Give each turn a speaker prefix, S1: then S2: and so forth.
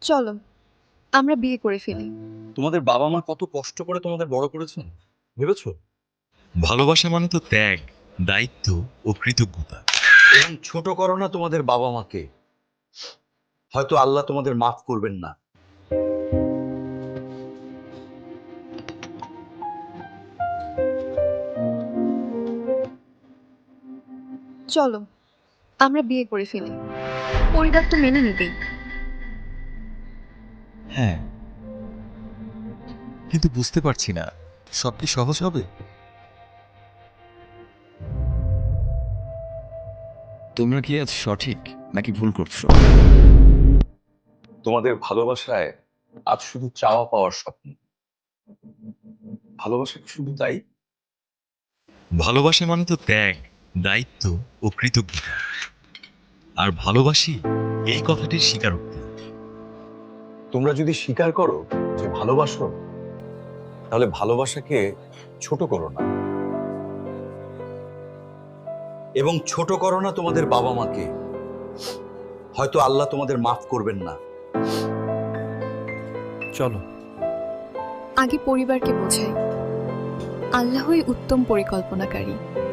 S1: চলো আমরা বিয়ে করে ফেলি।
S2: তোমাদের বাবা মা কত কষ্ট করে তোমাদের বড় করেছেন ভেবেছো?
S3: ভালোবাসা মানে তো ত্যাগ, দায়িত্ব ও কৃতজ্ঞতা।
S2: এবং ছোট করো না তোমাদের বাবা মাকে, হয়তো আল্লাহ তোমাদের মাফ করবেন না।
S1: চলো আমরা বিয়ে করে ফেলি, পরিবার তো মেনে নিবেই।
S3: হ্যাঁ, কিন্তু বুঝতে পারছি না সব কি সহজ হবে? তোমরা কি আজ সঠিক নাকি ভুল করছো?
S2: তোমাদের ভালোবাসায় আজ শুধু চাওয়া পাওয়ার স্বপ্ন। ভালোবাসা কি শুধু তাই?
S3: ভালোবাসা মানে তো ত্যাগ, দায়িত্ব ও কৃতজ্ঞতা। আর ভালোবাসি এই কথাটির স্বীকারোক্তি।
S2: তোমরা যদি স্বীকার করো যে ভালোবাসো, তাহলে ভালোবাসাকে ছোট করো না। এবং ছোট করো না তোমাদের বাবা মাকে, হয়তো আল্লাহ তোমাদের মাফ করবেন না।
S3: চলো।
S1: আগে পরিবারকে বোঝাই, আল্লাহই উত্তম পরিকল্পনাকারী।